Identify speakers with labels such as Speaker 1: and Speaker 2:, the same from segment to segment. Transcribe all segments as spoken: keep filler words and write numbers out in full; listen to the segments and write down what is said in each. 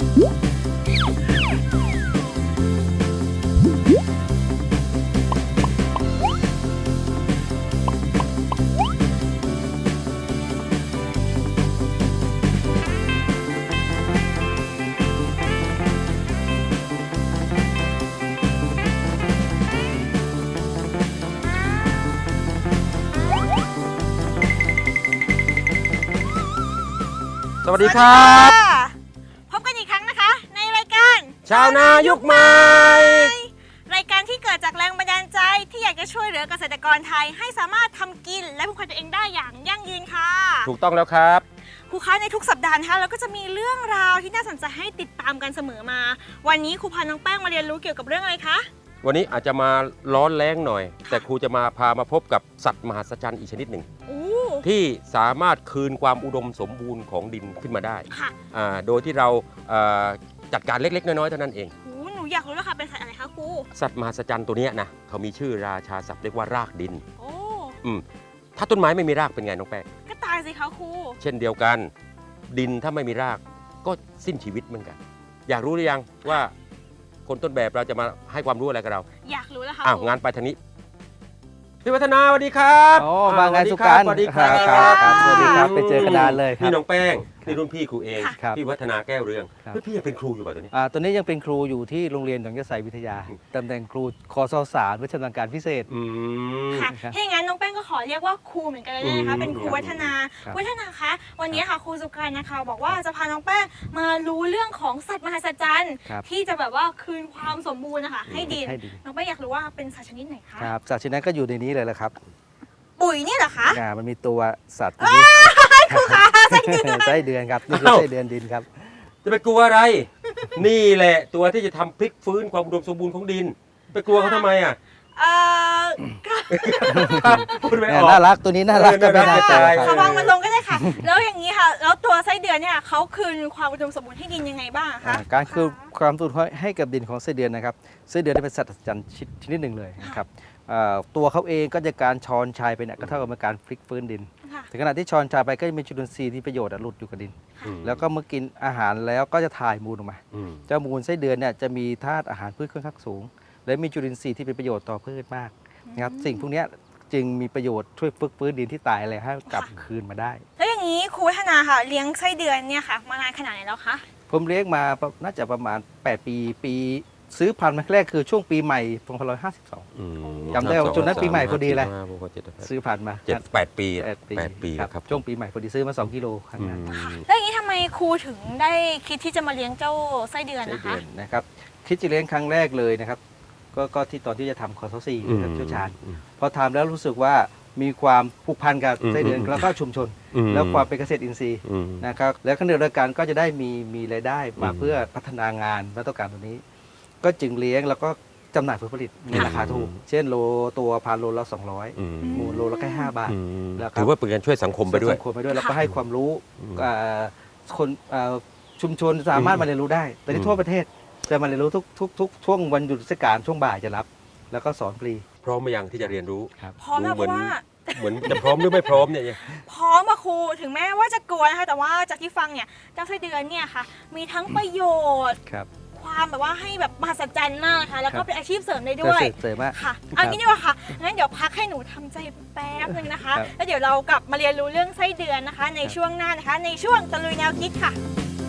Speaker 1: สวัสดีครับ
Speaker 2: พบกันอีกครั้งนะคะในรายการ
Speaker 1: ชาวนายุคใหม่
Speaker 2: รายการที่เกิดจากแรงบันดาลใจที่อยากจะช่วยเหลือเกษตรกรไทยให้สามารถทำกินและพึ่งพาตัวเองได้อย่างยั่งยืนค่ะ
Speaker 1: ถูกต้องแล้วครับ
Speaker 2: ครูคะในทุกสัปดาห์นะคะเราก็จะมีเรื่องราวที่น่าสนใจให้ติดตามกันเสมอมาวันนี้ครูพาน้องแป้งมาเรียนรู้เกี่ยวกับเรื่องอะไรคะ
Speaker 1: วันนี้อาจจะมาร้อนแรงหน่อยแต่ครูจะมาพามาพบกับสัตว์มหัศจรรย์อีกชนิดหนึ่งที่สามารถคืนความอุดมสมบูรณ์ของดินขึ้นมาได้โดยที่เราจัดการเล็กๆน้อยๆเท่านั้นเอง
Speaker 2: หนูอยากรู้แล้วค่ะเป็นสัตว์อะไรคะครู
Speaker 1: สัตว์มหัศจรรย์ตัวนี้นะเขามีชื่อราชาศัพท์เรียกว่ารากดินโอ้อืมถ้าต้นไม้ไม่มีรากเป็นไงน้องแป้ง
Speaker 2: ก็ตายสิคะครู
Speaker 1: เช่นเดียวกันดินถ้าไม่มีรากก็สิ้นชีวิตเหมือนกันอยากรู้หรือยังว่าคนต้นแบบเราจะมาให้ความรู้อะไรกับเรา
Speaker 2: อยากรู้แล้วค่ะ
Speaker 1: อ้าวงานไปทางนี้พี่วัฒนาสวัสดีครับ
Speaker 3: โอ้มาไงสุการ
Speaker 1: สวัสดีครับ
Speaker 3: สวัสดีครับไปเจอกันนานเลย
Speaker 1: นี่น้องแป้งนี่รุ่นพี่ครูเองพี่วัฒนาแก้วเรืองพี่ยังเป็นครูอยู่ป่ะตัวนี้
Speaker 3: อ่าตัวนี้ยังเป็นครูอยู่ที่โรงเรียนหนองยะไซวิทยาตำแหน่งครูคอสสารวิชาการพิเศษ
Speaker 2: ค่ะถ้าอย่างนั้นน้องแป้งก็ขอเรียกว่าครูเหมือนกันเลยนะคะเป็นครูวัฒนาวัฒนาคะวันนี้ค่ะครูสุการนะคะบอกว่าจะพาน้องแป้งมารู้เรื่องของสัตว์มหัศจรรย์ที่จะแบบว่าคืนความสมบูรณ์นะคะให้ดินน้องแป้งอยากรู้ว่าเป็นสัตว์ชนิดไหนคะ
Speaker 3: ครับสัตว์ชนิดนั้นก็อยู่ในนี้เลยแหละครับ
Speaker 2: ปุ๋ยนี่เหรอคะ
Speaker 3: อ่ามันมีตัวสัตว์นี้
Speaker 2: ครูคะไส้เดือน
Speaker 3: ไส้เดือนครับนี่คือไส้เดือนดินครับ
Speaker 1: จะไปกลัวอะไรนี่แหละตัวที่จะทำพลิกฟื้นความอุดมสมบูรณ์ของดินไปกลัวเขาทำไมอ่ะ
Speaker 2: เออ
Speaker 1: พูดไม่ออก
Speaker 3: น่ารักตัวนี้น่ารักก็ไม่น่าตาย
Speaker 2: เขาวางมันลงก็ได้ค่ะแล้วอย่างนี้ค่ะแล้วตัวไส้เดือนเนี่ยเขาคืนความอุดมสมบูรณ์ให้ดินยังไงบ้างคะ
Speaker 3: การคืนความสมบูรณ์ให้กับดินของไส้เดือนนะครับไส้เดือนเป็นสัตว์จันทร์ชนิดหนึ่งเลยนะครับตัวเขาเองก็จะการช้อนชายไปเนี่ยก็เท่ากับการพลิกฟื้นดินถึงขณะที่ช้อนชายไปก็จะมีจุลินทรีย์ที่ประโยชน์หลุดอยู่กับดินแล้วก็เมื่อกินอาหารแล้วก็จะถ่ายมูลออกมาเจ้ามูลไส้เดือนเนี่ยจะมีธาตุอาหารพืชค่อนข้างสูงและมีจุลินทรีย์ที่เป็นประโยชน์ต่อพืชมากนะครับสิ่งพวกนี้จึงมีประโยชน์ช่วยฟื้นฟื้นดินที่ตายอะไรให้กลับคืนมาได้
Speaker 2: แล้วอย่างนี้ครูวัฒนาค่ะเลี้ยงไส้เดือนเนี่ยค่ะมานานขนาดไหนแล้วคะ
Speaker 3: ผมเลี้ยงมาน่าจะประมาณแปดปีปีซื้อพันธุ์มาแรกคือช่วงปีใหม่สองพันห้าร้อยห้าสิบสองจำได้ว่าจนนั้นปีใหม่พอดีเลยซื้อพันธุ์มา
Speaker 1: เจ็ดแปดปี
Speaker 3: แปดปีครับช่วงปีใหม่พอดีซื้อมาสองกิโลครั้งนั้น
Speaker 2: แล้วอย่างนี้ทำไมครูถึงได้คิดที่จะมาเลี้ยงเจ้าไส้เดือนนะคะ
Speaker 3: นะครับคิดจะเลี้ยงครั้งแรกเลยนะครับก็ก็ที่ตอนที่จะทำคอร์สสี่นะครับเชี่ยวชาญพอทำแล้วรู้สึกว่ามีความผูกพันกับไส้เดือนแล้วก็ชุมชนแล้วความเป็นเกษตรอินทรีย์นะครับแล้วขณะเดียวกันก็จะได้มีมีรายได้มาเพื่อพัฒนางานและต้องการตัวนี้ก็จึงเลี้ยงแล้วก็จำหน่ายผลผลิตในราคาถูกเช่นโลตัวพันโลละสองร้อยมูลโลละแค่ห้าบาท
Speaker 1: ถือว่าเป็นการช่วยสังคมไปด้วย
Speaker 3: สังคมไปด้วยแล้วก็ให้ความรู้คนชุมชนสามารถมาเรียนรู้ได้แต่ที่ทั่วประเทศจะมาเรียนรู้ทุกทุกทุกช่วงวันหยุดเทศกาลช่วงบ่ายจะรับแล้วก็สอนฟรี
Speaker 1: พร้อมไหมยังที่จะเรียนรู้
Speaker 2: พร้อมแล้วเพราะว่า
Speaker 1: เหมือนจะพร้อมหรือไม่พร้อมเนี่ย
Speaker 2: พร้อมมาครูถึงแม้ว่าจะกลัวนะคะแต่ว่าจากที่ฟังเนี่ยเจ้าไส้เดือนเนี่ยค่ะมีทั้งประโยชน์ความแบบว่าให้แบบมหัศจรรย์มากค่ะแล้วก็เป็นอาชีพเสริมได้ด้วย
Speaker 3: เสริมมาก
Speaker 2: ค่ะเอางี้ดีกว่าค่ะงั้นเดี๋ยวพักให้หนูทำใจแป๊บนึงนะคะแล้วเดี๋ยวเรากลับมาเรียนรู้เรื่องไส้เดือนนะคะในช่วงหน้านะคะในช่วงตะลุยแนวคิดค่ะ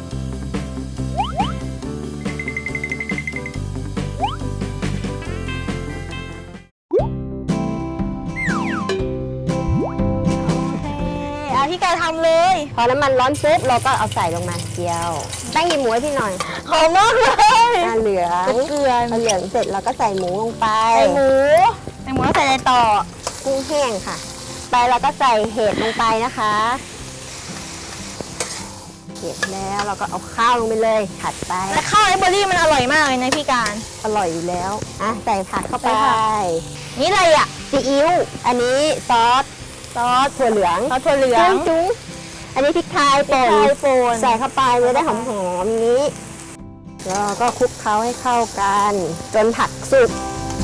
Speaker 2: พี่แกทำเลย
Speaker 4: พอน้ำมันร้อนปุ๊บเราก็เอาใส่ลงมาเจียวแป้งหยิบหมูให้พี่หน่อย
Speaker 2: หอมมากเลย
Speaker 4: เหลือง
Speaker 2: เกลือ
Speaker 4: พอเหลืองเสร็จเราก็ใส่หมูลงไป
Speaker 2: ใส่หมูใส่หมูแล้วใส่อะไรต่อ
Speaker 4: กุ้งแห้งค่ะไปเราก็ใส่เห็ดลงไปนะคะเห็ดแล้วเราก็เอาข้าวลงไปเลยผัดไป
Speaker 2: แต่ข้าวไอเบอรี่มันอร่อยมากเลยนะพี่การ
Speaker 4: อร่อยอยู่แล้วอ่ะใส่ผักเข้าไป
Speaker 2: นี่อะไรอ่ะ
Speaker 4: ซีอิ๊วอันนี้ซอสซอสถั่วเหลือง
Speaker 2: ซอสถั่วเหลือง
Speaker 4: จุ้งอันนี้พริกไทยป่นใส่เข้าไปจะได้หอมๆอย่างนี้แล้วก็คลุกเคล้าให้เข้ากันจนผักสุก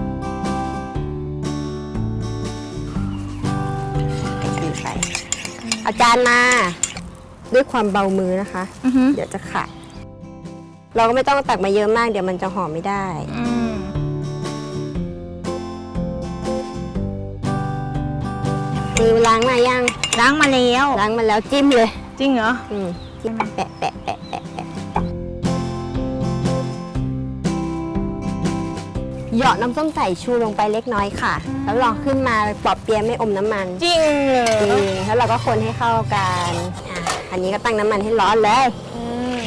Speaker 4: ดีใส่อาจารย์มาด้วยความเบามือนะคะเดี๋ยวจะขาดเราก็ไม่ต้องตักมาเยอะมากเดี๋ยวมันจะห่อไม่ได้
Speaker 2: อืม
Speaker 4: มือล้างมายัง
Speaker 2: ล้างมาแล้ว
Speaker 4: ล้างมาแล้วจิ้มเลย
Speaker 2: จริงเหรอ
Speaker 4: อืมจิ้มแปะแปะแปะแปะแปะเหยาะน้ำส้มสายชูลงไปเล็กน้อยค่ะ แล้วลองขึ้นมาปอบเปียะไม่อมน้ำมัน
Speaker 2: จริงเหรอ
Speaker 4: จริงแล้วเราก็คนให้เข้ากันอ่ะอันนี้ก็ตั้งน้ำมันให้ร้อนเลย
Speaker 2: อืม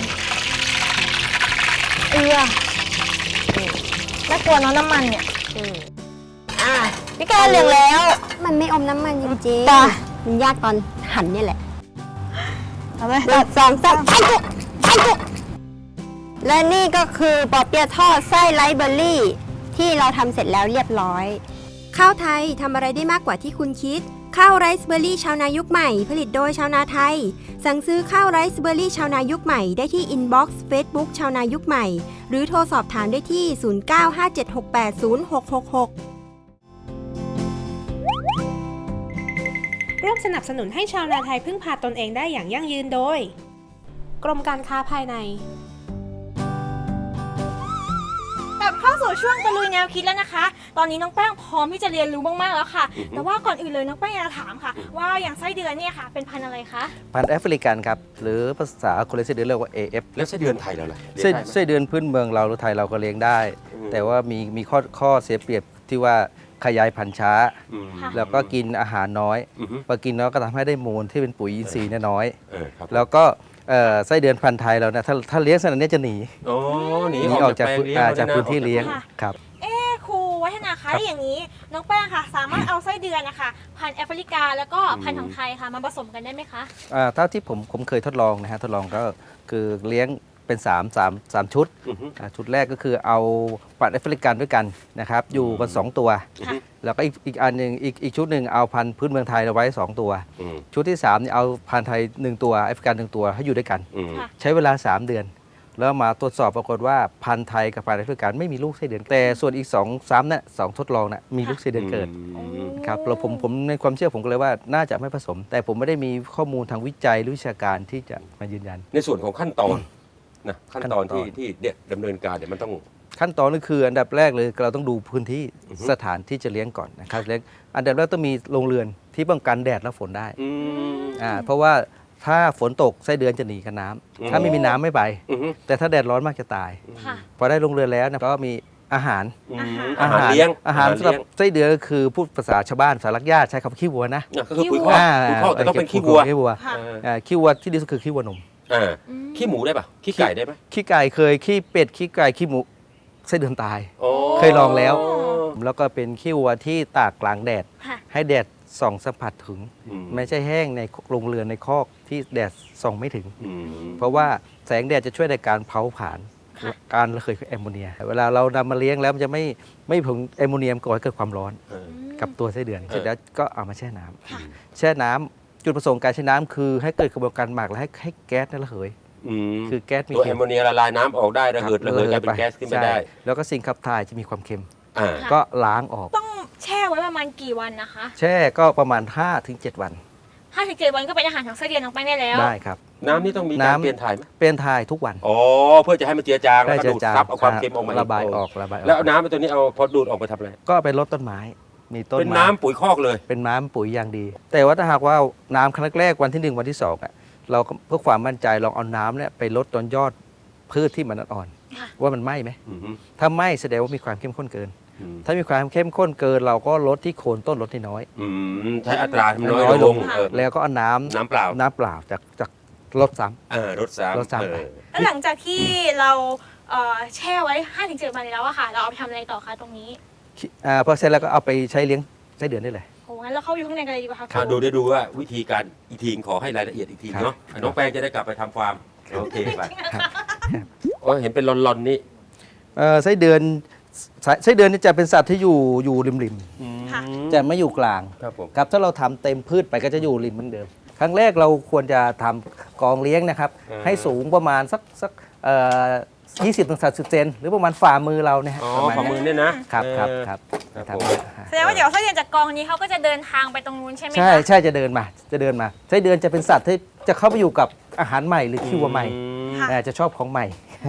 Speaker 2: เอือน่ากลัวเนาะน้ำมันเนี่ย
Speaker 4: อืมอ่ะ
Speaker 2: พี่แกเหลืองแล้ว
Speaker 4: มันไม่อมน้ำมันจริง
Speaker 2: จ้ะ
Speaker 4: ๆมันยากตอนหั่นเนี่ยแหละ
Speaker 2: เอาไหม
Speaker 4: หนึ่งสองสามไปจุกไปจุกและนี่ก็คือปอเปี๊ยะทอดไส้ไรซ์เบอร์รี่ ที่เราทำเสร็จแล้วเรียบร้อย
Speaker 5: ข้าวไทยทำอะไรได้มากกว่าที่คุณคิด ข้าวไรซ์เบอร์รี่ชาวนายุคใหม่ ผลิตโดยชาวนาไทย สั่งซื้อข้าวไรซ์เบอร์รี่ชาวนายุคใหม่ได้ที่อินบ็อกซ์เฟซบุ๊กชาวนายุคใหม่ หรือโทรสอบถามได้ที่ ศูนย์ เก้า ห้า เจ็ด หก แปด ศูนย์ หก หก หก
Speaker 6: ร่วมสนับสนุนให้ชาวนาไทยพึ่งพาตนเองได้อย่างยั่งยืนโดย กรมการค้าภายใน
Speaker 2: กลับเข้าสู่ช่วงตะลุยแนวคิดแล้วนะคะ ตอนนี้น้องแป้งพร้อมที่จะเรียนรู้มากๆแล้วค่ะ แต่ว่าก่อนอื่นเลยน้องแป้งอยากจะถามค่ะ ว่าอย่างไส้เดือนเนี่ยค่ะ เป็นพันธุ์อะไรคะ
Speaker 3: พันธุ์แอฟริกันครับ หรือภาษาคนเลี้ยงไส้เดือนเรียกว่า เอ เอฟ
Speaker 1: แล้วไส้เดือนไทยเราล่ะ
Speaker 3: ไส้
Speaker 1: เลี้ยงได้ไหม
Speaker 3: ไส้เดือนพื้นเมืองเราหรือไทยเราก็เลี้ยงได้
Speaker 1: อืม
Speaker 3: แต่ว่ามีมีข้อข้อเสียเปรียบที่ว่าขยายพันธุ์ช้า
Speaker 1: อืม
Speaker 3: แล้วก็กินอาหารน้อย
Speaker 1: อือฮึ
Speaker 3: พอกินน้อยก็ทำให้ได้มูลที่เป็นปุ๋ยอินทรีย์เนี่ยน้อย
Speaker 1: เออครับ
Speaker 3: แล้วก็เอ่อไส้เดือนพันธุ์ไทยเราเนี่ยถ้าถ้าเลี้ยงขนาดนี้จะหนี
Speaker 1: โอ้หนี
Speaker 3: หนี
Speaker 1: อ
Speaker 3: อ
Speaker 1: อ
Speaker 3: อก ก
Speaker 1: จา
Speaker 3: จาก ก
Speaker 1: แปลง
Speaker 3: พื้น
Speaker 1: เลี้ยง
Speaker 3: อ่า
Speaker 1: แล้ว
Speaker 3: จาก
Speaker 1: นะ
Speaker 3: พื้นที่
Speaker 1: ออกจาก
Speaker 3: เลี้ยง
Speaker 2: ค่ะ
Speaker 3: ครับ
Speaker 2: เอ๊ะครูวัฒนาคะแล้วอย่างนี้น้องแป้งค่ะ สามารถเอาไส้เดือนนะคะพันธุ์แอฟริกาแล้วก็พันธุ์ของไทยค่ะมาผสมกันได้ไหมคะ
Speaker 3: อ่าเท่าที่ผมผมเคยทดลองนะฮะทดลองก็คือเลี้ยงเป็น3 3 3ชุด
Speaker 1: อือฮึ
Speaker 3: อ่าชุดแรกก็คือเอาพันธุ์แอฟริกันด้วยกันนะครับอยู่กันสองตัว
Speaker 2: ค่ะ
Speaker 3: แล้วก็อีกอีกอันหนึ่งอีกอีกชุดหนึ่งเอาพันธุ์พื้นเมืองไทยเอาไว้สองตัว
Speaker 1: อืม
Speaker 3: ชุดที่3เนี่ยเอาพันธุ์ไทยหนึ่งตัวแอฟริกันหนึ่งตัวให้อยู่ด้วยกัน
Speaker 1: อืม
Speaker 2: ค่ะ
Speaker 3: ใช้เวลา สาม เดือน แล้วมาตรวจสอบปรากฏว่าพันธุ์ไทยกับพันธุ์แอฟริกันไม่มีลูกไส้เดือน แต่ส่วนอีก2 3เนี่ยสองทดลองน่ะมีลูกไส้เดือนเกิด
Speaker 1: อืม
Speaker 3: ครับเราผมผมในความเชื่อผมก็เลยว่าน่าจะไม่ผสม แต่ผมไม่ได้มีข้อมูลทางวิจัยหรือวิชาการที่จะมายืนยัน
Speaker 1: ในส่วนของขั้นตอนนะขั้นตอน
Speaker 3: ขั้นตอน
Speaker 1: ที่ที่เด็ดดำเนินการเนี่ยมันต้อง
Speaker 3: ขั้นตอนก็คืออันดับแรกเลยเราต้องดูพื้นที่
Speaker 1: อือฮึ
Speaker 3: สถานที่จะเลี้ยงก่อนนะครับเลี้ยงอันดับแรกต้องมีโรงเรือนที่ป้องกันแดดและฝนได้
Speaker 1: อืม
Speaker 3: อ่าเพราะว่าถ้าฝนตกไส้เดือนจะหนีกับน้ำ
Speaker 1: อืม
Speaker 3: ถ้าไม่มีน้ำไม่ไป
Speaker 1: อือฮึ
Speaker 3: แต่ถ้าแดดร้อนมากจะตาย
Speaker 2: ค่ะ
Speaker 3: พอได้โรงเรือนแล้วเนยก็มีอาหาร
Speaker 1: อืม
Speaker 2: อา
Speaker 1: อา
Speaker 2: หาร
Speaker 1: หารเลี้ยง
Speaker 3: อาหารสำหรับ
Speaker 1: เลี้ยง
Speaker 3: ไส้เดือนก็คือพูดภาษาชาวบ้านภาษาลักญาติใช้คำว่าขี้วัวนะ
Speaker 1: อ่ะก็คือปุ๋ยคอก
Speaker 3: อ่า
Speaker 1: ปุ๋ยคอกแต่ต้องเป็นขี้วัว
Speaker 3: ขี้วัว
Speaker 2: ค่ะ
Speaker 1: เออ
Speaker 3: อ่าขี้วัวที่ดีสุดคือขี้วัวนม
Speaker 1: อ่า
Speaker 2: อืม
Speaker 1: ขี้หมูได้ปะขี้ไก่ได้ไหม
Speaker 3: ขี้ไก่เคยขี้เป็ดขี้ไก่ขี้หมูไส้เดือนตาย
Speaker 1: โอ้
Speaker 3: เคยลองแล้ว แล้วก็เป็นขี้วัวที่ตากกลางแดด
Speaker 2: ค่ะ
Speaker 3: ให้แดดส่องสัมผัสถึง
Speaker 1: อืม
Speaker 3: ไม่ใช่แห้งในโรงเรือนในคอกที่แดดส่องไม่ถึง
Speaker 1: อืม
Speaker 3: เพราะว่าแสงแดดจะช่วยในการเผาผลาญ
Speaker 2: ค่ะ
Speaker 3: การระเหยของแอมโมเนีย เวลาเรานำมาเลี้ยงแล้วมันจะไม่ไม่ผงแอมโมเนียมก่อให้เกิดความร้อน
Speaker 1: เออ
Speaker 3: กับตัวไส้เดือน
Speaker 1: เออ
Speaker 3: เสร็จแล้วก็เอามาแช่น้ำ
Speaker 2: ค่ะ
Speaker 3: แช่น้ำจุดประสงค์การแช่น้ำคือให้เกิดกระบวนการหมักและให้ให้แก๊สนั้นระเหย
Speaker 1: อืม
Speaker 3: คือแก๊สมี
Speaker 1: ตัว
Speaker 3: เค็
Speaker 1: แอม
Speaker 3: ม
Speaker 1: โมเนียละลายน้ำออกได้ระเหิดระเหยกลายเป็นแก๊สขึ้นมาได้
Speaker 3: ใช่แล้วก็สิ่งขับถ่ายจะมีความเค็ม
Speaker 1: อ่า
Speaker 2: ค่ะ
Speaker 3: ก็ล้างออก
Speaker 2: ต้องแช่ไว้ประมาณกี่วันนะคะ
Speaker 3: แช่ก็ประมาณ ห้าถึงเจ็ด วัน
Speaker 2: ห้าถึงเจ็ดวันก็เป็นอาหารของไส้เดือนน้องแป้งได้แล้ว
Speaker 3: ได้ครับ
Speaker 1: น้ำนี่ต้องมีการ
Speaker 3: น้ำ
Speaker 1: เปลี่ยนถ่ายไหม
Speaker 3: เป็นทายทุกวัน
Speaker 1: อ๋อเพื่อจะให้มันเจือจางแล้วก็
Speaker 3: จะ
Speaker 1: ดูดซับเอาความเค็มออกมา
Speaker 3: ระบายออกระบายออก
Speaker 1: แล้วเอาน้ำไปตัวนี้เอาพอดูดออกไปทำอะไร
Speaker 3: ก็ไปรดต้นไม้ มีต้น
Speaker 1: เป็น
Speaker 3: ไม้
Speaker 1: น้ำปุ๋ยคอกเลย
Speaker 3: เป็นน้ำปุ๋ยอย่างดี แต่ว่าถ้าหากว่าน้ำครั้งแรกวันที่หนึ่งวันที่สองอ่ะเราก็เพื่อความมั่นใจลองเอาน้ำเนี่ยไปลดตอนยอดพืชที่มันอ่อน
Speaker 2: ค่ะ
Speaker 3: ๆว่ามันไหม้ไหม
Speaker 1: อืม
Speaker 3: ถ้าไหม้แสดงว่ามีความเข้มข้นเกิน
Speaker 1: อืม
Speaker 3: ถ้ามีความเข้มข้นเกิน เราก็ลดที่โคนต้นลดที่น้อย
Speaker 1: อืมใช้อัตราให้มันน้อย
Speaker 3: น้อย
Speaker 1: ล
Speaker 3: ล
Speaker 1: ง
Speaker 3: ง
Speaker 1: เออ
Speaker 3: แล้วก็เอาน้ำ
Speaker 1: น้ำเปล่า
Speaker 3: น้ำเปล่าจากจากลดซ้ำ
Speaker 1: เออรถสาม
Speaker 3: รถสาม
Speaker 1: เอ
Speaker 3: ไป
Speaker 1: อ
Speaker 2: แล้วหลังจากที่เราเอ่อแช่ไว้ห้าถึงเจ็ดวันแล้วอะค่ะ เราเอาไปทำอะไรต่อคะตรงนี้
Speaker 3: อ่าพอเสร็จแล้วก็เอาไปใช้เลี้ยงไส้เดือนได้เลย
Speaker 2: โอ้งั้นเราเข้าอยู่ข้างในกันเลยดีกว่าค่ะ
Speaker 1: อ่ะดูได้ดูว่าวิธีการอีกทีขอให้รายละเอียดอีกที
Speaker 3: ครับ
Speaker 1: เนาะอ่ะน้องแป้งจะได้กลับไปทำฟาร์มโอเคไปโอ้เห็นเป็นลอนๆนี่
Speaker 3: เอ่อไส้เดือนไส้ไส้เดือนนี่จะเป็นสัตว์ที่อยู่อยู่ริมริม
Speaker 2: ค่ะ
Speaker 3: ๆจะไม่อยู่กลาง
Speaker 1: ครับผม
Speaker 3: ครับถ้าเราทำเต็มพืชไปก็จะอยู่ริมเหมือนเดิม ครั้งแรกเราควรจะทำกองเลี้ยงนะครับ ให้สูงประมาณสักสักเอ่อยี่สิบถึงสามสิบเซนหรือประมาณฝ่ามือเราเนี่ยฮะ
Speaker 1: อ๋อ
Speaker 3: ประมาณ
Speaker 1: ฝ่ามือเนี่ยนะครับ
Speaker 3: ครับ
Speaker 1: เออ
Speaker 3: ครับ
Speaker 1: ครับ
Speaker 3: ครับ
Speaker 1: ผม
Speaker 2: แสดงว่าเดี๋ยวไส้เดือนจากกองนี้เขาก็จะเดินทางไปตรงนู้นใช่ไหมคะ
Speaker 3: ใช่ใช่จะเดินมาจะเดินมาไส้เดือนจะเป็นสัตว์ที่จะเข้าไปอยู่กับอาหารใหม่หรือขี้วัวใหม่
Speaker 1: อืม
Speaker 2: ค่ะ
Speaker 3: เอ่อจะชอบของใหม่
Speaker 2: อืม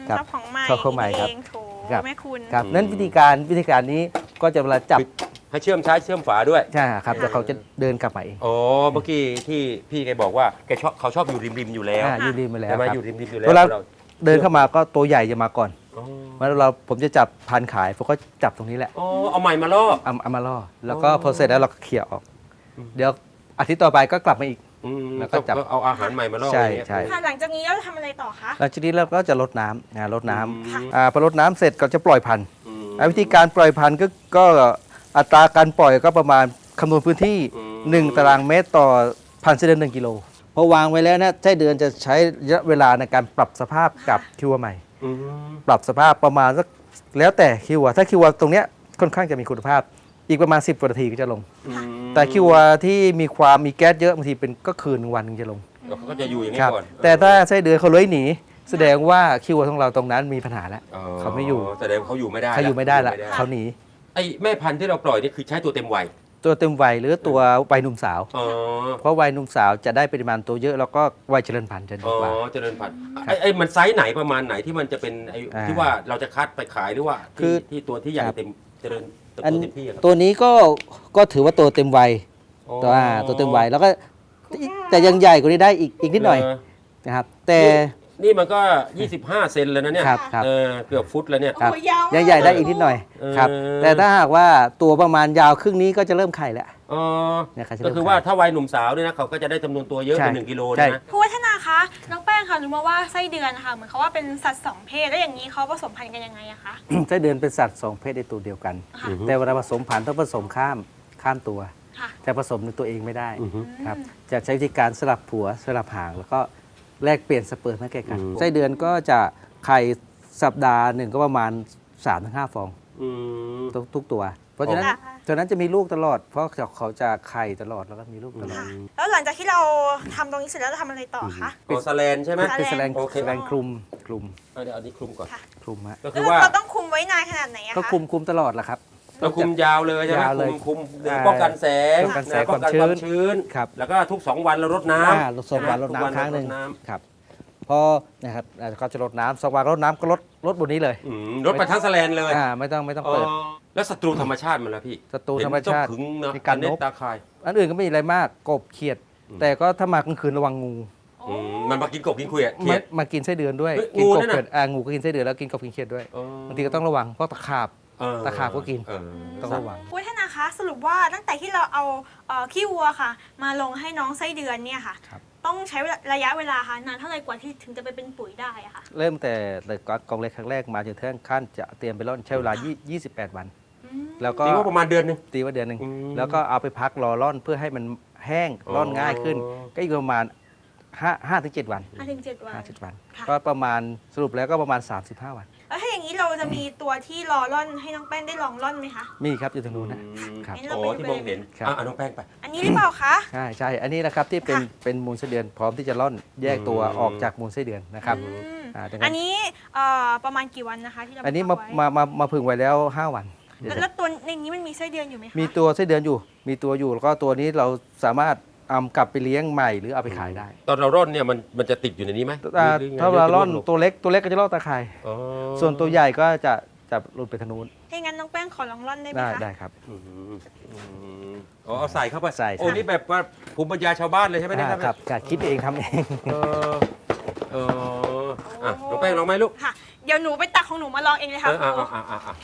Speaker 3: ครับ
Speaker 2: ชอบของใหม่
Speaker 3: ชอบของใหม่ครับ
Speaker 2: เองโถ
Speaker 3: ครับ
Speaker 2: แม่คุณ
Speaker 3: ครับนั้นวิธีการวิธีการนี้ก็จะเวลาจับ
Speaker 1: ให้เชื่อมซ้ายเชื่อมฝาด้วย
Speaker 3: ใช่ครับแล้วเขาจะเดินกลับมาเอง
Speaker 1: อ๋อเมื่อกี้ที่พี่แกบอกว่าแกชอบเขาชอบอยู่ริมริมๆอยู่แล้ว
Speaker 3: อ่าอยู่ริมมาแล้ว
Speaker 1: ใช่ไหม
Speaker 3: ครับ
Speaker 1: อยู่ริมริมๆอยู่แล้ว
Speaker 3: เวลา
Speaker 1: เรา
Speaker 3: เดินเข้ามาก็ตัวใหญ่จะมาก่อน
Speaker 1: อ๋อ
Speaker 3: แล้วเราผมจะจับพันขายผมก็จับตรงนี้แหละ
Speaker 1: อ๋อเอาใหม่มาล่อ
Speaker 3: เอาเอามาล่อแล้วก็
Speaker 1: อ๋อ
Speaker 3: พอเสร็จแล้วเราก็เขี่ยออก
Speaker 1: อืม
Speaker 3: เดี๋ยวอาทิตย์ต่อไปก็กลับมาอีก
Speaker 1: อืม
Speaker 3: แล้วก็จับ
Speaker 1: เอาอาหารใหม่มาล่อ
Speaker 3: ใช่
Speaker 1: อย่างเงี้ย
Speaker 3: ใช่
Speaker 2: ค่ะหลังจากนี้เราจะทำอะไรต่อคะ
Speaker 3: หลังจากนี้เราก็จะลดน้ำนะลดน้
Speaker 1: อืม
Speaker 3: ำอ่าพอลดน้ำเสร็จก็จะปล่อยพันธุ์
Speaker 1: อืม
Speaker 3: อ่าวิธีการปล่อยพันธุ์ก็ก็อัตราการปล่อยก็ประมาณคำนวณพื้นที่
Speaker 1: อืม
Speaker 3: หนึ่งตารางเมตรต่อพันไส้เดือนหนึ่งกิโลพอวางไว้แล้วนะไส้เดือนจะใช้ระยะเวลาในการปรับสภาพกับคิวใหม่
Speaker 1: อืม
Speaker 3: ปรับสภาพประมาณสักแล้วแต่คิวถ้าคิวตรงเนี้ยค่อนข้างจะมีคุณภาพ อีกประมาณสิบกว่านาทีก็จะลง
Speaker 1: อืม
Speaker 3: แต่คิวที่มีความมีแก๊สเยอะบางทีเป็นก็คืนหนึ่งวันถึงจะลง
Speaker 1: เขาก็จะอยู่อย่างนี้
Speaker 3: ครับ
Speaker 1: ก่อน
Speaker 3: แต่ถ้าไส้เดือนเขาเลื้อยหนี แสดงว่าคิวของเราตรงนั้นมีปัญหาแล้ว เขาไม่อยู่
Speaker 1: แสดงว่าเขาอยู่ไม่ได้
Speaker 3: เขาอยู่ไม่ได้ละ
Speaker 1: อยู่
Speaker 3: เขาหนี
Speaker 1: ไอ้แม่พันธุ์ที่เราปล่อยนี่คือใช้ตัวเต็มวัย
Speaker 3: ตัวเต็มวัยหรือตัววัยหนุ่มสาว
Speaker 1: อ๋อ
Speaker 3: เพราะวัยหนุ่มสาวจะได้ปริมาณตัวเยอะแล้วก็วัยเจริญพันธุ์จะดี
Speaker 1: อ๋อก
Speaker 3: ว่า
Speaker 1: เจริญพันธุ์ไอ้ไอ้มันไซส์ไหนประมาณไหนที่มันจะเป็นไอ้
Speaker 3: อ่า
Speaker 1: ที่ว่าเราจะคัดไปขายหรือว่า
Speaker 3: คือ
Speaker 1: ที่ที่ตัวที่ใหญ่
Speaker 3: ครับ
Speaker 1: เต็มเจริญเติบ
Speaker 3: อัน
Speaker 1: โตเต็มที่อะครับ
Speaker 3: ตัวนี้ก็ก็ถือว่าตัวเต็มวัยตัวอ่าตัวเต็มวัยแล้วก็แต่ยังใหญ่กว่านี้ได้อีกอีกนิดหน่อย
Speaker 1: เ
Speaker 3: นะครับ แต่
Speaker 1: นี่มันก็ ยี่สิบห้า เซนแล้วนะเนี่ย
Speaker 3: ครับครับ
Speaker 1: เออเกือบฟุตแล้วเนี่ย
Speaker 3: ครับ
Speaker 2: โอ้ยยาวมาก
Speaker 3: ยังใหญ่ได้อีกนิดหน่อย
Speaker 1: เออ
Speaker 3: ครับ แต่ถ้าหากว่าตัวประมาณยาวครึ่งนี้ก็จะเริ่มไข่แล้ว
Speaker 1: อ๋อ
Speaker 3: เนี่ยเขาจะ
Speaker 1: ก็
Speaker 3: เริ่ม
Speaker 1: คือว่า
Speaker 3: ขาย
Speaker 1: ถ้าวัยหนุ่มสาวเนี่ยนะเขาก็จะได้จำนวนตัวเยอะ
Speaker 3: ใช่
Speaker 1: เป็นหนึ่งกิโล
Speaker 3: ใช่
Speaker 1: นะ
Speaker 2: ผู้วัฒนาคะน้องแป้งค่ะรู้มาว่าไส้เดือนนะคะเหมือนเขาว่าเป็นสัตว์สองเพศแล้วอย่างนี้เขาผสมพันธุ์กันยังไงอะคะ
Speaker 3: ไส้เดือนเป็นสัตว์สองเพศในตัวเดียวกัน
Speaker 2: ค่ะ
Speaker 1: อือฮึ
Speaker 3: แต่เวลาผสมพันธุ์ต้องผสมข้ามข้ามตัว
Speaker 2: ค่ะ
Speaker 3: จะผสมในตัวเองไม่ได้
Speaker 1: อือฮึ
Speaker 3: ครับจะใช้วิธีการสลับผัวสลับหางแล้วก็แลกเปลี่ยนสเปิร์มให้แก่กัน
Speaker 1: อืม
Speaker 3: ไส้เดือนก็จะไข่สัปดาห์หนึ่งก็ประมาณ สามถึงห้า ฟอง
Speaker 1: อืม
Speaker 3: ทุกทุกตัว เพราะฉะนั้น
Speaker 2: ค่ะ
Speaker 3: ฉะนั้นจะมีลูกตลอด เพราะเขาจะไข่ตลอดแล้วก็มีลูกตลอด
Speaker 2: ค่ะแล้วหลังจากที่เราทำตรงนี้เสร็จแล้วเราทำอะไรต่อคะ
Speaker 1: โอสแลนใช่ไหม
Speaker 2: สแลน
Speaker 3: เป็นแสลง
Speaker 1: โอเค
Speaker 3: แสลงคลุมคลุม
Speaker 1: เอาเดี๋ยวเอานี้คลุมก่อน
Speaker 2: ค่ะ
Speaker 3: คลุมฮะ
Speaker 1: ก็
Speaker 2: แล้
Speaker 1: คือ
Speaker 2: ว
Speaker 1: ว่า
Speaker 2: เราต้องคุมไว้นานขนาดไหนอะคะ
Speaker 3: ก็คลุมคลุมตลอดแหละครับ
Speaker 1: เราคุมยาวเลยใช่ไหม
Speaker 3: ยาวเลย
Speaker 1: คุมคุม
Speaker 3: อ่า
Speaker 1: ป้องกันแสง
Speaker 3: ป้องกันแสง
Speaker 1: ะป้องกัน
Speaker 3: ความชื้
Speaker 1: ความ
Speaker 3: น
Speaker 1: ชื้น
Speaker 3: ครับ
Speaker 1: แล้วก็ทุกสองวันเรารดน้
Speaker 3: อ่า
Speaker 1: ำ
Speaker 3: ลดสองวันลด
Speaker 1: ทุก
Speaker 3: น้ำครั้งหนึ่ง
Speaker 1: รดน้
Speaker 3: ครับพอนะครับอ่าก็จะลดน้ำสองวันลดน้ำก็ลดลดบนนี้เลย
Speaker 1: ำอืมรดไปทั้งแสลนเลย
Speaker 3: อ่าไม่ต้องไม่ต้อง
Speaker 1: อ๋อ
Speaker 3: เปิด
Speaker 1: แล้วศัตรูธรรมชาติมันละพี่
Speaker 3: ศัตรูธรรมชาติ
Speaker 1: เห็นต้องขึงนะ
Speaker 3: มีการ
Speaker 1: เน็ต
Speaker 3: นก
Speaker 1: ตาคาย
Speaker 3: อันอื่นก็ไม่มีอะไรมากกบเขียด
Speaker 1: อืม
Speaker 3: แต่ก็ถ้ามากลางคืนระวังงู
Speaker 1: อืมมันมากินกบกินเขียดเขี
Speaker 3: มาย
Speaker 1: ด
Speaker 3: มากินไส้เดือนด้วย
Speaker 1: เฮ้ย
Speaker 3: กิน
Speaker 1: งู
Speaker 3: กบ
Speaker 1: เนี่ยนะ
Speaker 3: เขียดอ่างูก็กินไส้เดือนแล้วกินกบกินเขียดด้วย
Speaker 1: อ๋อบ
Speaker 3: างทีก็ต้องระวังเพราะตะขาบ
Speaker 1: เออ
Speaker 3: ตะขาบก็กิน
Speaker 1: เออ
Speaker 3: ต้องระวัง
Speaker 2: ผู้วัฒนาคะสรุปว่าตั้งแต่ที่เราเอาเอ่อขี้วัวค่ะ มาลงให้น้องไส้เดือนเนี่ยค่ะ
Speaker 3: ครับ
Speaker 2: ต้องใช้เวลาระยะเวลาค่ะนานเท่าไหร่กว่าที่ถึงจะไปเป็นปุ๋ยได้อะค่ะ
Speaker 3: เริ่มแต่แต่กองเล็กครั้งแรกมาจนถึงขั้นจะเตรียมไปร่อนใช้เวลายี่สิบแปดวัน
Speaker 2: อืม
Speaker 3: แล้วก็
Speaker 1: ตีว่าประมาณเดือนหนึง
Speaker 3: ตีว่าเดือนหนึ่ง
Speaker 1: อืม
Speaker 3: แล้วก็เอาไปพักรอร่อนเพื่อให้มันแห้งร่อนง่ายขึ้น
Speaker 1: อ๋อ
Speaker 3: ก็อีกประมาณห้าห้าถึงเจ็ดวัน
Speaker 2: ห้าถึงเจ็ดวัน
Speaker 3: ห้าสิบวัน
Speaker 2: ค่ะ
Speaker 3: ก็ประมาณสรุปแล้วก็ประมาณ สามสิบห้า วัน
Speaker 2: แล้วถ้าอย่างนี้เราจะมีตัวที่รอร่อนให้น้องแป้งได้ลองร่อนไหมคะ
Speaker 3: มีครับอยู่ตรงนู้นนะ
Speaker 1: อืม
Speaker 3: ครับ
Speaker 1: อ๋อที่มองเห็น
Speaker 3: ครับ
Speaker 1: อ่ะอ่ะน้องแป้งไป
Speaker 2: อันนี้หรือเปล่าคะ
Speaker 3: ใช่ใช่อันนี้นะครับที่เป็น
Speaker 2: ค่ะ
Speaker 3: เป็นมูลไส้เดือนพร้อมที่จะร่อนแยกตัว
Speaker 1: อืม
Speaker 3: ออกจากมูลไส้เดือนนะครับ
Speaker 2: อืม
Speaker 3: อ่าดังนั้น
Speaker 2: อันนี้เอ่อประมาณกี่วันนะคะที่เรา
Speaker 3: อันนี้
Speaker 2: พั
Speaker 3: มาก
Speaker 2: ไว้
Speaker 3: มามามาพึ่งไว้แล้วห้าวันเดี๋ยว
Speaker 2: แล้วแล้วตัวในนี้มันมีไส้เดือนอยู่ไหมคะ
Speaker 3: มีตัวไส้เดือนอยู่ มีตัวอยู่แล้วก็ตัวนี้เราสามารถเอากลับไปเลี้ยงใหม่หรือเอาไปขายได้
Speaker 1: ตอนเราร่อนเนี่ยมันมันจะติดอยู่ในนี้ไหม
Speaker 3: อ่า
Speaker 1: หรือไง
Speaker 3: ถ้าเราร่อน
Speaker 1: หจะวง
Speaker 3: ตัวเล็กตัวเล็กก็จะล่อตาข่าย
Speaker 1: อ๋อ
Speaker 3: ส่วนตัวใหญ่ก็จะจะหลุดไปทางนู้น
Speaker 2: ถ้าอย่างนั้นน้องแป้งขอลองร่อนได้ไหม
Speaker 3: ได้
Speaker 2: คะ
Speaker 3: ได้ครับ
Speaker 1: อืมอืมอ๋อเอาใส่เข้าไป
Speaker 3: ใส่
Speaker 1: โอ้นี่แบบว่าภูมิปัญญาชาวบ้านเลยใช่ไหมเนี่ย
Speaker 3: อ่าครับการคิดเองทำเอง
Speaker 1: เออเอออ่ะน้องแป้งลองไหมลูก
Speaker 2: ค่ะ เดี๋ยวหนูไปตักของหนูมาลองเองเลย
Speaker 1: เอ
Speaker 2: ค่ะ
Speaker 1: อ
Speaker 2: ครู
Speaker 1: อ่ะอ่ะอ่ะอ่ะ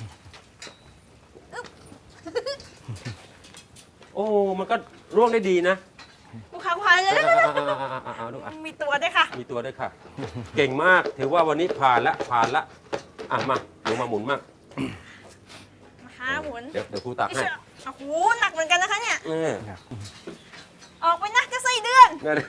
Speaker 1: โอ้มันก็ร่วงได้ดีนะ
Speaker 2: ครูคะครูคะเลย
Speaker 1: อ่ะอ่ะอ่ะอ่ะอ่ะอ่ะอ่ะลูกอ่ะ
Speaker 2: มีตัวด้วยค่ะ
Speaker 1: มีตัวด้วยค่ะ เก่งมาก ถือว่าวันนี้ผ่านละ ผ่านละ อ่ะ มาหนูมาหมุนมาก
Speaker 2: นะคะหมุน
Speaker 1: เดี๋ยวเดี๋ยวครูตักให้
Speaker 2: โอ้โหหนักเหมือนกันนะคะเนี่ย
Speaker 1: เออ
Speaker 2: ออกไปนะเจะไส้เดือน
Speaker 1: นั่น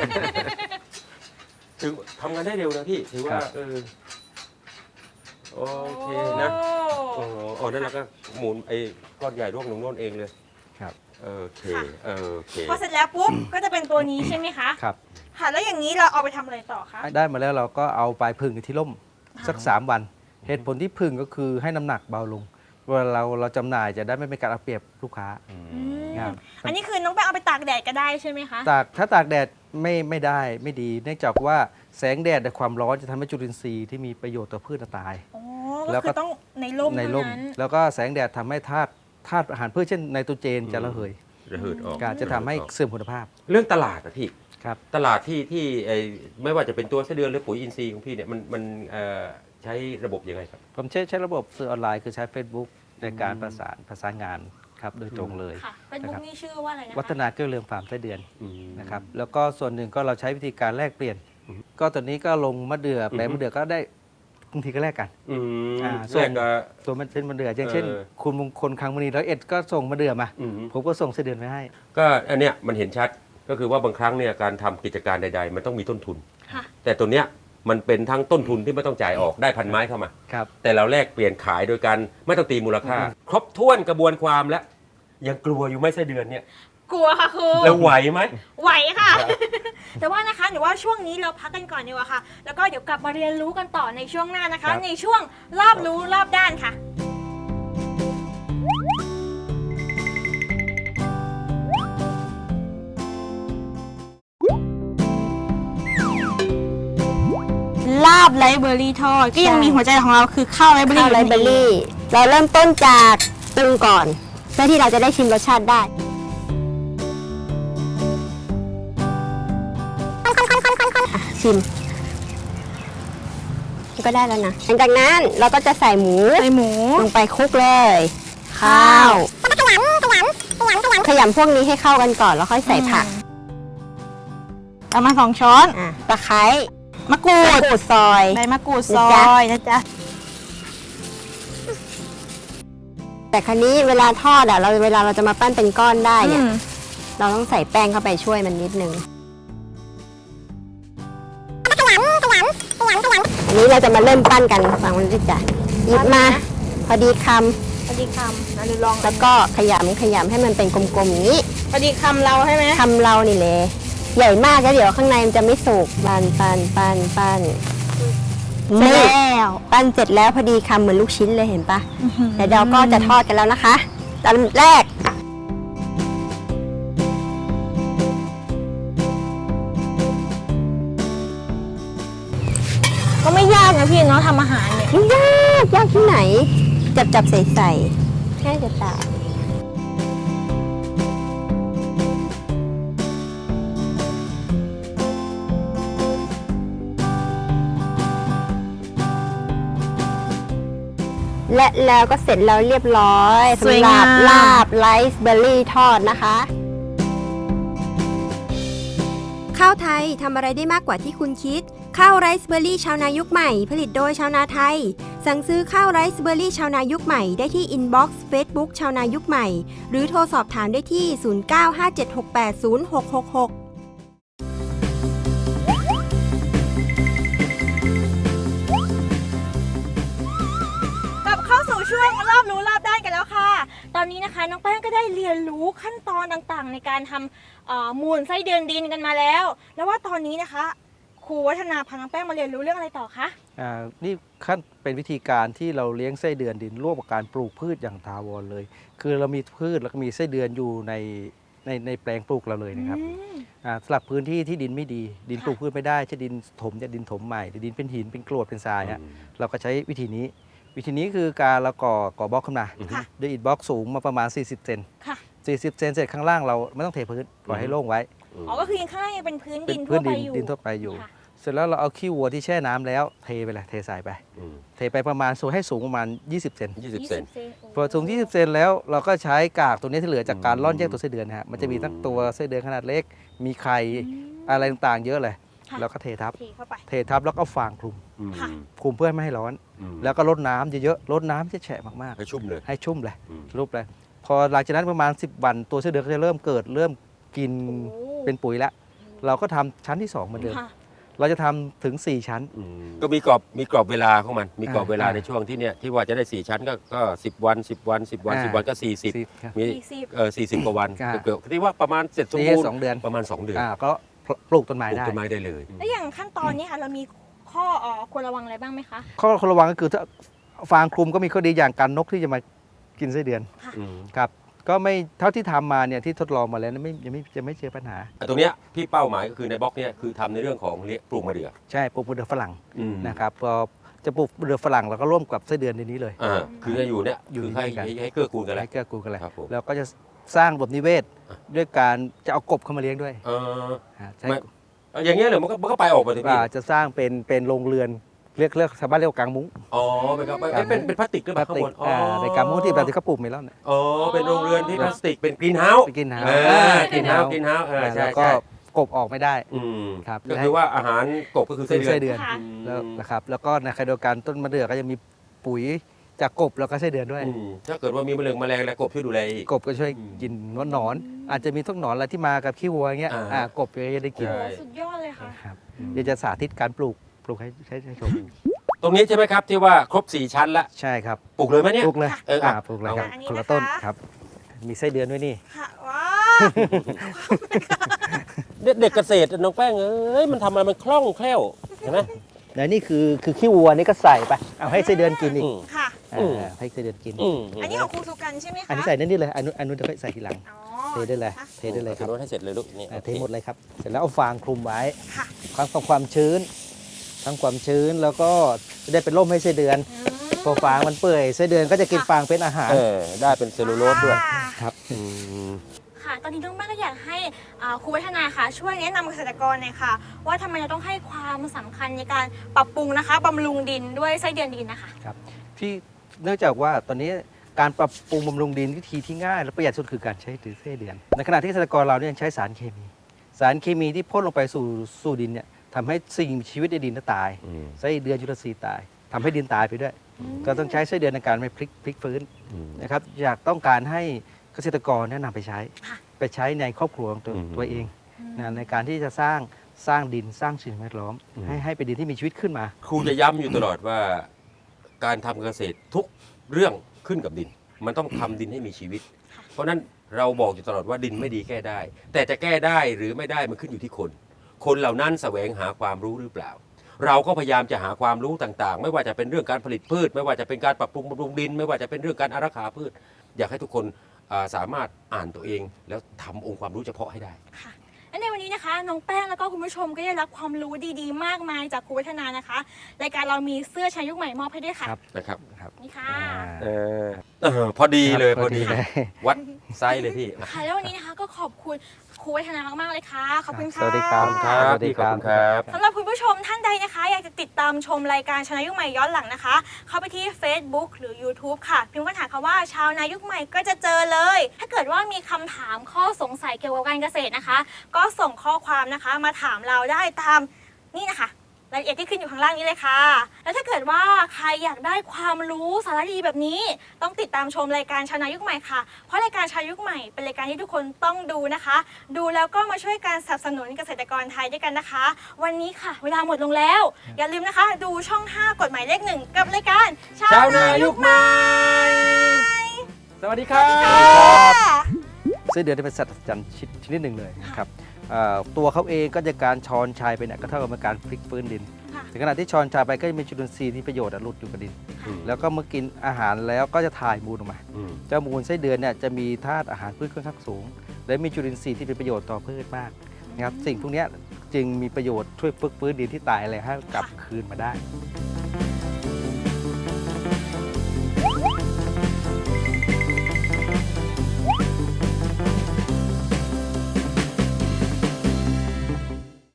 Speaker 1: ถือทำงานได้เร็วนะพี่ ถือว่า เออ โอเคนะ โอ้โหโอ้นั่นเราก็หมุนไอ้ก้อนใหญ่ร่วงลงโน่นเองเลย
Speaker 3: ครับ
Speaker 1: โอเค โอเค
Speaker 2: พอเสร็จแล้วปุ๊บ ก็จะเป็นตัวนี้ใช่ไหมคะ
Speaker 3: ครับ
Speaker 2: ค่ะ แล้วอย่างนี้เราเอาไปทำอะไรต่อคะ
Speaker 3: ได้มาแล้วเราก็เอาไปพึ่งที่ร่มสักสามวัน เหตุผลที่พึ่งก็คือให้น้ำหนักเบาลงเวลาเราเราจำหน่ายจะได้ไม่เป็นการเอาเปรียบลูกค้า
Speaker 2: อืม
Speaker 3: ครับ
Speaker 2: อันนี้คือน้องแป้งเอาไปตากแดดก็ได้ใช่ไหมคะ
Speaker 3: ตากถ้าตากแดดไม่ไม่ได้ไม่ดีเนื่องจากว่าแสงแดดและความร้อนจะทำให้จุลินทรีย์ที่มีประโยชน์ต่อพืชตาย
Speaker 2: อ๋อ
Speaker 3: แล้
Speaker 2: ก็
Speaker 3: วก็
Speaker 2: คือต้องในร่ม
Speaker 3: ใน
Speaker 2: เท่า
Speaker 3: ร่ม
Speaker 2: นั้น
Speaker 3: แล้วก็แสงแดดทำให้ธาตุธาตุอาหารพืชเช่นไนโตรเจนจะระเหย
Speaker 1: ระเหิดออก
Speaker 3: การจะทำให้เสื่อมคุณภาพ
Speaker 1: เรื่องตลาดอะพี่
Speaker 3: ครับ
Speaker 1: ตลาดที่ที่ไอ้ไม่ว่าจะเป็นตัวไส้เดือนหรือปุ๋ยอินทรีย์ของพี่เนี่ยมันมันเอ่อใช้ระบบยังไงครับ
Speaker 3: ผมใช้ใช้ระบบสื่อออนไลน์คือใช้ Facebook ในการประสานประสานงานครับโดยตรงเลย
Speaker 2: ค่ะเป็นบุ๊กนี่ชื่อว่าอะไรนะคะ
Speaker 3: วัฒนาเกลี้ยงเรืองฟาร์มไส้เดือน
Speaker 1: อืม
Speaker 3: นะครับแล้วก็ส่วนหนึ่งก็เราใช้วิธีการแลกเปลี่ยน
Speaker 1: อืม
Speaker 3: ก็ตอนนี้ก็ลงมะเดื่อแปลง
Speaker 1: อือฮึ
Speaker 3: มะเดื่อก็ได้บางทีก็แลกกัน
Speaker 1: อืม
Speaker 3: อ่า
Speaker 1: แรกก็
Speaker 3: ตัวมันเป็นมะเดื่ออย่างเช่น
Speaker 1: เออ
Speaker 3: คุณมงคลคังมณีร้อยเอ็ดก็ส่งมะเดื่อมา
Speaker 1: อืม
Speaker 3: ผมก็ส่งไส้เดือนไปให้
Speaker 1: ก็อันเนี้ยมันเห็นชัดก็คือว่าบางครั้งเนี่ยการทำกิจการใด ๆ มันต้องมีต้นทุน
Speaker 2: ค่ะ
Speaker 1: แต่ตัวเนี้ยมันเป็นทั้งต้นทุนที่ไม่ต้องจ่ายออกได้พันไม้เข้ามา
Speaker 3: ครับ
Speaker 1: แต่เราแลกเปลี่ยนขายโดยการไม่ต้องตีมูลค่า ครบถ้วนกระบวนความแล้วยังกลัวอยู่ไหมไส้เดือนเนี่ย
Speaker 2: กลัวค่ะครู
Speaker 1: แล้วไหวไหม
Speaker 2: ไหวค่ะ แต่ว่านะคะหนูว่าช่วงนี้เราพักกันก่อนดีกว่าค่ะ แล้วก็เดี๋ยวกลับมาเรียนรู้กันต่อในช่วงหน้านะ
Speaker 3: ครั
Speaker 2: คะ
Speaker 3: บ
Speaker 2: ในช่วงรอบรู้รอบด้านค่ะ ลาบไรเบอร์รี่ทอดก็ยังมีหัวใจของเราคือข้าวไรเบอร์รี่
Speaker 4: ข้าวไรเบอร์รี่ เราเริ่มต้นจากปรุงก่อนเพื่อที่เราจะได้ชิมรสชาติได้อ่ะชิมก็ได้แล้วนะหลังจากนั้นเราก็จะใส่หมู
Speaker 2: ใส่หมู
Speaker 4: ลงไปคลุกเลย ข้าวขยำพวกนี้ให้เข้ากันก่อนแล้วค่อยใส่ผัก
Speaker 2: ประมาณสองช้อน
Speaker 4: อ่ะตะไคร้
Speaker 2: มะกรู
Speaker 4: มะ
Speaker 2: ด
Speaker 4: กรูดซอย
Speaker 2: ใบมะกรูดซ
Speaker 4: นะ
Speaker 2: อ
Speaker 4: จ๊ะ
Speaker 2: ยนะจ๊ะ
Speaker 4: แต่ครั้นี้เวลาทอดอ่ะเราเวลาเราจะมาปั้นเป็นก้อนได้เนี่ย
Speaker 2: อืม
Speaker 4: เราต้องใส่แป้งเข้าไปช่วยมันนิดนึง อันนี้เราจะมาเริ่มปั้นกันฟังมันดิจ้ะหยิบมา พอดีค
Speaker 2: พอดีคำนะหรือลอง
Speaker 4: ำแล้วก็ขยำขยำให้มันเป็นกลมๆอย่างนี้
Speaker 2: พอดีคำเราใช่ไหม
Speaker 4: คำเรานี่เลยใหญ่มากแล้วเดี๋ยวข้างในมันจะไม่สุกปั้นปั้นปั้นปั้น
Speaker 2: เสร็จ
Speaker 4: นี่
Speaker 2: แล้ว
Speaker 4: ปั้นเสร็จแล้วพอดีคำเหมือนลูกชิ้นเลยเห็นปะเดี๋ยวเราก็จะทอดกันแล้วนะคะตอนแรก
Speaker 2: ก็ไม่ยากนะพี่เนาะทำอาหารเนี่ย
Speaker 4: ไม่ยากยากที่ไหน จับจับใส่ใส่ง่ายจะตายและแล้วก็เสร็จแล้วเรียบร้อย
Speaker 2: สวย
Speaker 4: สำหรั
Speaker 2: งา
Speaker 4: บ
Speaker 2: ม
Speaker 4: ลาบไรซ์เบอร์รี่ทอดนะคะ
Speaker 5: ข้าวไทยทำอะไรได้มากกว่าที่คุณคิด ข้าวไรซ์เบอร์รี่ชาวนายุคใหม่ ผลิตโดยชาวนาไทย สั่งซื้อข้าวไรซ์เบอร์รี่ชาวนายุคใหม่ได้ที่อินบ็อกซ์เฟซบุ๊กชาวนายุคใหม่ หรือโทรสอบถามได้ที่ ศูนย์ เก้า ห้า เจ็ด หก แปด ศูนย์ หก หก หก
Speaker 2: กลับเข้าสู่ช่วงรอบรู้รอบด้านกันแล้วค่ะ ตอนนี้นะคะน้องแป้งก็ได้เรียนรู้ขั้นตอนต่างๆ ในการทำเอ่อมูลไส้เดือนดินกันมาแล้ว แล้วว่าตอนนี้นะคะครูวัฒนาพาน้องแป้งมาเรียนรู้เรื่องอะไรต่อคะ
Speaker 3: อ่านี่ขั้นเป็นวิธีการที่เราเลี้ยงไส้เดือนดินร่วมกับการปลูกพืชอย่างถาวรเลย คือเรามีพืชแล้วก็มีไส้เดือนอยู่ในในในแปลงปลูกเราเลยนะครับ
Speaker 2: อืม
Speaker 3: อ่าสำหรับพื้นที่ที่ดินไม่ดี ดิน
Speaker 2: ค่ะ
Speaker 3: ปลูกพืชไม่ได้ใช่ดินถมจะดินถมใหม่หรือดินเป็นหินเป็นกรวดเป็นทรายฮะเราก็ใช้วิธีนี้ วิธีนี้คือการเราก่อก่อบล็อกขึ้นมา
Speaker 2: ค่ะ
Speaker 3: ด้วยอิฐบล็อกสูงมาประมาณ สี่สิบ เซน
Speaker 2: ค่ะ
Speaker 3: สี่สิบ เซนเสร็จข้างล่างเราไม่ต้องเทพื้นปล่อยให้โล่งไว้
Speaker 2: อ๋อก็คือยังข้างล่างยังเป็นพื้น
Speaker 3: เป็
Speaker 2: ดิ
Speaker 3: น
Speaker 2: น
Speaker 3: พื้
Speaker 2: ทั่วน ไป
Speaker 3: ดิน
Speaker 2: อยู่
Speaker 3: ดินทั่วไปอยู่
Speaker 2: ค่ะ
Speaker 3: เสร็จแล้วเราเอาขี้วัวที่แช่น้ำแล้วเทไปเลยเทใส่ไป
Speaker 1: อืม
Speaker 3: เทไปประมาณสูงให้สูงประมาณ ยี่สิบ เซน
Speaker 1: ยี่สิบ
Speaker 2: ยี่
Speaker 1: เซ
Speaker 2: สิ
Speaker 1: น
Speaker 2: บเซน
Speaker 3: พอสูง ยี่สิบ เซนแล้วเราก็ใช้กากตัวนี้ที่เหลือจากการ
Speaker 1: อืม
Speaker 3: ร่อนแยกตัวไส้เดือนนะฮะมันจะมีทั้งตัวไส้เดือนขนาดเล็ก มีไข่
Speaker 2: อืม
Speaker 3: อะไรต่างๆ เยอะเลย
Speaker 2: ค่ะ
Speaker 3: แล้วก็เททับ
Speaker 2: เทเข้าไป
Speaker 3: เททับแล้วก็ฟางคลุม
Speaker 1: อืม
Speaker 2: ค่ะ
Speaker 3: คลุมเพื่อไม่ให้ร้อน
Speaker 1: อืม
Speaker 3: แล้วก็รดน้ำเยอะๆรดน้ำจะแฉะมาก
Speaker 1: ให้ชุ่มเลย
Speaker 3: ๆ ให้ชุ่มเลย
Speaker 1: อืม
Speaker 3: รูปเลยพอหลังจากนั้นประมาณ สิบ วันตัวไส้เดือนก็จะเริ่มเกิดเริ่มกิน
Speaker 2: โอ้
Speaker 3: เป็นปุ๋ยแล้วเราก็ทำชั้นที่สองเหมือนเดิม
Speaker 2: ค่ะ
Speaker 3: เราจะทำถึง สี่ ชั้น
Speaker 1: อืมก็มีกรอบมีกรอบเวลาของมันมีกรอบเวลา
Speaker 3: อ่า
Speaker 1: ในช่วงที่เนี่ยที่ว่าจะได้สี่ชั้นก็ก็สิบวันสิบวันสิบวัน
Speaker 3: อ่า
Speaker 1: สิบวันก็สี่สิบ
Speaker 3: สิบครับ
Speaker 1: มี
Speaker 2: สี่สิบ
Speaker 1: เออสี่สิบกว่าวัน
Speaker 3: อ่า
Speaker 1: เกือบๆที่ว่าประมาณเสร็จสม
Speaker 3: นี่
Speaker 1: บูรณ์
Speaker 3: สองเดือน
Speaker 1: ประมาณสองเดือน
Speaker 3: อ่าก็ปลูกต้น
Speaker 1: ป
Speaker 3: ไม้
Speaker 1: ลูก
Speaker 3: ได้
Speaker 1: ต้นไม้ได้เลย
Speaker 2: แล้วอย่างขั้นตอนนี้ค่ะเรามีข้อเอ่อควรระวังอะไรบ้างไหมคะ
Speaker 3: ข้อระวังก็คือถ้าฟางคลุมก็มีข้อดีอย่างการนกที่จะมากินไส้เดือน
Speaker 1: อืม
Speaker 3: ครับก็ไม่เท่าที่ทำมาเนี่ยที่ทดลองมาแล้วไม่ยังไม่จะไม่เจอปัญหา
Speaker 1: ตรงเนี้ยพี่เป้าหมายก็คือในบล็อกเนี้ยคือทำในเรื่องของเลี้ยงปลูกมะเดื่อ
Speaker 3: ใช่ปลูกมะเดื่อฝรั่ง
Speaker 1: อืม
Speaker 3: นะครับพอจะปลูกมะเดื่อฝรั่งเราก็ร่วมกับไส้เดือนในนี้เลย
Speaker 1: อ่าคือจะอยู่เนี่ย
Speaker 3: อยู่
Speaker 1: คือให้
Speaker 3: ด้วยกัน
Speaker 1: ให้ให้เกื้อกูลกันแหละ
Speaker 3: ให้เกื้อกูลกันเลย
Speaker 1: ครับผม
Speaker 3: แล้วก็จะสร้างระบบนิเวศด้วยการจะเอากบเข้ามาเลี้ยงด้วย
Speaker 1: เออ
Speaker 3: อ่าใช่
Speaker 1: ไม่เอาอย่างเงี้ยเหรอมันก็มันก็ไปออกมาสิพี่
Speaker 3: อ่าจะสร้างเป็นเป็นโรงเรือนเรียกเรียกชาวบ้านเรียกว่ากางมุ้ง
Speaker 1: อ๋อเป็นครับเป็นเป็นเป็นพลาสติกหรือเปล่าข้างบนอ๋อ
Speaker 3: อ่าเป็นกางมุ้งที่แบบที่เขาปลูกเมลอนเนี่ย
Speaker 1: อ๋อเป็นโรงเรือนที่พลาสติกเป็นกรีนเฮาส์
Speaker 3: ไปกินหา
Speaker 1: เออกรีนเฮาส์กรีนเฮาส์เออใช่
Speaker 3: แล้วก็
Speaker 1: ใช่
Speaker 3: กบออกไม่ได้
Speaker 1: อืม
Speaker 3: ครับ
Speaker 1: ก็คือว่าอาหารกบก็คือไส้
Speaker 3: เป็น
Speaker 1: เดือน
Speaker 3: ไส้เดือน
Speaker 2: ค่ะ
Speaker 3: แล้วนะครับแล้วก็ในขณะเดียวกันต้นมะเดื่อก็จะมีปุ๋ยจากกบแล้วก็ไส้เดือนด้วย
Speaker 1: อืมถ้าเกิดว่ามีแมลงแมลงแล้วกบช่วยดูแลอีก
Speaker 3: กบก็ช่วย
Speaker 1: อืม
Speaker 3: กินหนอนๆอาจจะมีทุกหนอนอะไรที่มากับขี้วัวอย่างเงี้ย
Speaker 1: อ่า
Speaker 3: อ่ากบก็จะได้กิน
Speaker 1: ใช่
Speaker 2: โอ้สุดยอดเลยค่ะ
Speaker 3: ครับเดี๋ยวจะสาธิตการปลูกปลูกให้ให้ให้ชม
Speaker 1: ตรงนี้ใช่ไหมครับที่ว่าครบสี่ชั้นละ
Speaker 3: ใช่ครับ
Speaker 1: ปลูกเลยไหมเนี่ย
Speaker 3: ปลูกเลย
Speaker 1: เอออ่ะ
Speaker 3: อ่าปลูกเลยครับ
Speaker 2: อันนี้
Speaker 3: คนละ
Speaker 2: นะคะ
Speaker 3: ต้นครับ มีไส้เดือนด้วยนี่
Speaker 2: ค่ะว้าว
Speaker 1: เด็กเกษตรน้องแป้งเอ้ยมันทำอะไรมันคล่องแคล่วเห็นไหม
Speaker 3: แล้วนี่คือคือขี้วัวนี่ก็ใส่ไปเอาให้ไส้เดือนกินอีก
Speaker 1: อืม
Speaker 2: ค่ะ
Speaker 3: อ่า
Speaker 1: อืม
Speaker 3: ให้ไส้เดือนกิน
Speaker 1: อืม
Speaker 2: อันนี้ของครูสุกันใช่ไหมคะ
Speaker 3: อันนี้ใส่นั่นนี่เลยอันนู้นอันนู้นจะใส่ทีหลัง
Speaker 2: อ๋อ
Speaker 3: เทได้เลย
Speaker 2: ค่ะ
Speaker 3: เทได้เลยค
Speaker 1: ถื
Speaker 3: รับ
Speaker 1: อรถให้เสร็จเลยลูกนี่
Speaker 3: อ่าเทหมดเลยครับเสร็จแล้วเอาฟางคลุมไว้
Speaker 2: ค่ะ
Speaker 3: ทั้งความความชื้น ทั้งความชื้นแล้วก็จะได้เป็นร่มให้ไส้เดือน
Speaker 2: อืม
Speaker 3: พอฟางมันเปื่อยไส้เดือนก็จะกินฟางเป็นอาหาร
Speaker 1: เออได้เป็นเซลลูโลสด้วย
Speaker 2: ค่ะ
Speaker 3: ครับ
Speaker 1: อืม
Speaker 2: ค่ะ ตอนนี้น้องแม่ก็อยากให้อ่าครูวัฒนาค่ะ ช่วยแนะนำเกษตรกรหน่อยค่ะ ว่าทำไมเราต้องให้ความสำคัญในการปรับปรุงนะคะบำรุงดินด้วยไส้เดือนดินนะคะ
Speaker 3: ครับที่เนื่องจากว่าตอนนี้การปรับปรุงบำรุงดินวิธีที่ง่ายและประหยัดสุดคือการใช้ถือไส้เดือน ในขณะที่เกษตรกรเราเนี่ยยังใช้สารเคมี สารเคมีที่พ่นลงไปสู่สู่ดินเนี่ยทำให้สิ่งมีชีวิตในดินน่ะตาย
Speaker 1: อืม
Speaker 3: ไส้เดือนจุลทรีย์ตายทำให้ดินตายไปด้วย ก็ต้องใช้ไส้เดือนในการไปพลิกพลิกฟื้น
Speaker 1: อืม
Speaker 3: นะครับอยากต้องการให้เกษตรกรแนะนำไปใช้
Speaker 2: ค่ะ
Speaker 3: ไปใช้ในครอบครัวของตัว
Speaker 1: อืม
Speaker 3: ตัวเองนะในการที่จะสร้างสร้างดินสร้างสิ่งแวดล้อม
Speaker 1: อืม
Speaker 3: ให้ให้เป็นดินที่มีชีวิตขึ้นมา
Speaker 1: ครูจะย้ำอยู่ตลอดว่า การทำเกษตรทุกเรื่องขึ้นกับดิน มันต้องทำดินให้มีชีวิต เพราะฉะนั้นเราบอกอยู่ตลอดว่าดินไม่ดีแก้ได้ แต่จะแก้ได้หรือไม่ได้มันขึ้นอยู่ที่คน คนเหล่านั้นแสวงหาความรู้หรือเปล่า เราก็พยายามจะหาความรู้ต่างๆ ไม่ว่าจะเป็นเรื่องการผลิตพืช ไม่ว่าจะเป็นการปรับปรุงบำรุงดิน ไม่ว่าจะเป็นเรื่องการอารักขาพืช อยากให้ทุกคนอ่าสามารถอ่านตัวเอง แล้วทำองค์ความรู้เฉพาะให้ได้
Speaker 2: ค่ะและในวันนี้นะคะน้องแป้งแล้วก็คุณผู้ชมก็ได้รับความรู้ดีๆ มากมายจากครูวัฒนานะคะรายการเรามีเสื้อชายยุคใหม่มอบให้ด้วยค่ะ
Speaker 3: ครับ
Speaker 1: นะครับ
Speaker 3: ครับ
Speaker 2: นี่ค่ะ
Speaker 1: เออเออพอดีเลยพอดี
Speaker 3: เลย
Speaker 1: วัดไซส์เลยพี่
Speaker 2: ค่ะแล้ววันนี้นะคะก็ขอบคุณครูวัฒนามากๆเลยค่ะขอบคุณค่ะ
Speaker 3: สวัสดีครับ
Speaker 1: ครับ
Speaker 3: สวัสดีครับ
Speaker 1: ขอบคุณครับ
Speaker 2: สำหรับคุณผู้ชมท่านใดนะคะ อยากจะติดตามชมรายการชาวนายุคใหม่ย้อนหลังนะคะ เข้าไปที่ Facebook หรือ YouTube ค่ะพิมพ์ค้นหาคำว่าชาวนายุคใหม่ก็จะเจอเลย ถ้าเกิดว่ามีคำถามข้อสงสัยเกี่ยวกับการเกษตรนะคะ ก็ส่งข้อความนะคะ มาถามเราได้ตามนี่นะคะรายละเอียดที่ขึ้นอยู่ข้างล่างนี้เลยค่ะ แล้วถ้าเกิดว่าใครอยากได้ความรู้สาระดีแบบนี้ ต้องติดตามชมรายการชาวนายุคใหม่ค่ะ เพราะรายการชาวนายุคใหม่เป็นรายการที่ทุกคนต้องดูนะคะ ดูแล้วก็มาช่วยกันสนับสนุนเกษตรกรไทยด้วยกันนะคะ วันนี้ค่ะ เวลาหมดลงแล้ว อย่าลืมนะคะ ดูช่อง ห้ากฎหมายเลขหนึ่งกับรายการ
Speaker 1: ชาวนายุคใหม่ สวัสดีครับ
Speaker 2: ค่ะ
Speaker 3: ไส้เดือนเป็นสัตว์อัศจรรย์ชนิดหนึ่งเลยนะครับเอ่อตัวเขาเองก็จะการช้อนชายไปเนี่ยก็เท่ากับเป็นการพลิกฟื้นดิน
Speaker 2: ค่ะ
Speaker 3: ถึงขณะที่ช้อนชายไปก็จะมีจุลินทรีย์ที่ประโยชน์อะหลุดอยู่กับดิน
Speaker 1: อืม
Speaker 3: แล้วก็เมื่อกินอาหารแล้วก็จะถ่ายมูลออกมา
Speaker 1: อืม
Speaker 3: เจ้ามูลไส้เดือนเนี่ยจะมีธาตุอาหารพืชค่อนข้างสูง และมีจุลินทรีย์ที่เป็นประโยชน์ต่อพืชมากนะครับสิ่งพวกเนี้ยจึงมีประโยชน์ช่วยฝึกฟื้นดินที่ตายอะไรให้กลับคืนมาได้
Speaker 2: ค